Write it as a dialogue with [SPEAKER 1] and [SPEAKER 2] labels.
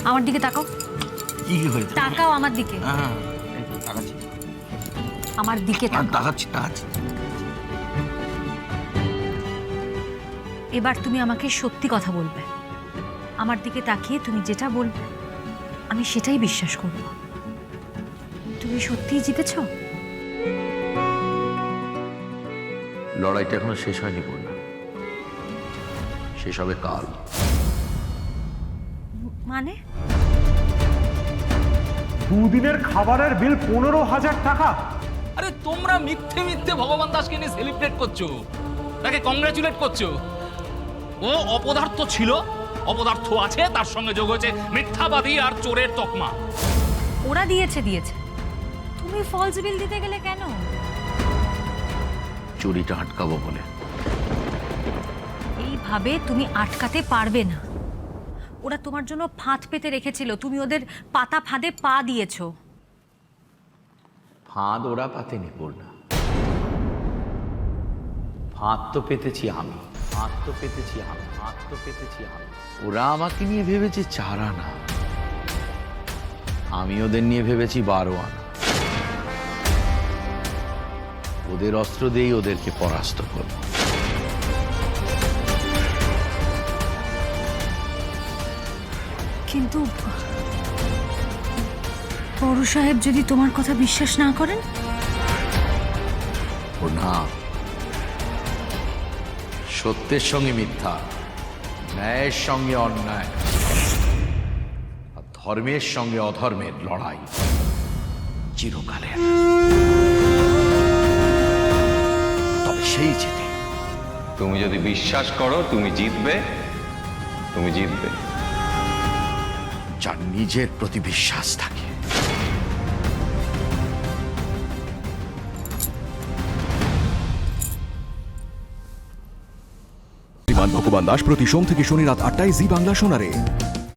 [SPEAKER 1] আমার দিকে তাকাও।
[SPEAKER 2] কি হয়েছে?
[SPEAKER 1] তাকাও আমার দিকে।
[SPEAKER 2] হ্যাঁ, এই তো তাকাচ্ছি।
[SPEAKER 1] আমার দিকে তাকাও।
[SPEAKER 2] তাকাচ্ছি।
[SPEAKER 1] এবার তুমি আমাকে সত্যি কথা বলবে। আমার দিকে তাকিয়ে তুমি যেটা বলবে আমি সেটাই বিশ্বাস করব। তুমি সত্যিই জিতেছো?
[SPEAKER 3] লড়াইটা এখনো শেষ হয়নি পূর্ণা, শেষ হবে কাল।
[SPEAKER 1] মানে?
[SPEAKER 4] দুদিনের খাবারের বিল 15,000 টাকা।
[SPEAKER 5] আরে তোমরা মিথ্যে মিথ্যে ভগবান দাসকে নিয়ে সেলিব্রেট করছো, তাকে কংগ্রাচুলেট করছো। ও অপদার্থ ছিল, অপদার্থ আছে, তার সঙ্গে যোগ হয়েছে মিথ্যাবাদী আর চোরের তকমা।
[SPEAKER 1] ওরা দিয়েছে। তুমি ফলস বিল দিতে গেলে কেন?
[SPEAKER 3] চুরিটা আটকাবো বলে।
[SPEAKER 1] এইভাবে তুমি আটকাতে পারবে না। ওরা তোমার জন্য ফাঁদ পেতে রেখেছিল, তুমি ওদের পাতা ফাঁদে পা দিয়েছো।
[SPEAKER 3] ফাঁদ ওরা পাতেনি পূর্ণা, ফাঁদ তো পেতেছি আমি। ওরা আমাকে নিয়ে ভেবেছে 4 আনা, আমি ওদের নিয়ে ভেবেছি 12 আনা। ওদের অস্ত্র দিয়েই ওদেরকে পরাস্ত করব।
[SPEAKER 1] কিন্তু বড় সাহেব যদি তোমার কথা বিশ্বাস না করেন?
[SPEAKER 3] পূর্ণা, সত্যের সঙ্গে মিথ্যা, ন্যায়ের সঙ্গে অন্যায়, আর ধর্মের সঙ্গে অধর্মের লড়াই চিরকালের। তবে সেই জেতে।
[SPEAKER 6] তুমি যদি বিশ্বাস করো তুমি জিতবে,
[SPEAKER 3] যার নিজের প্রতি বিশ্বাস থাকে।
[SPEAKER 7] ভগবান দাস প্রতি সোম থেকে শনি রাত 8টায় জি বাংলা শোনারে।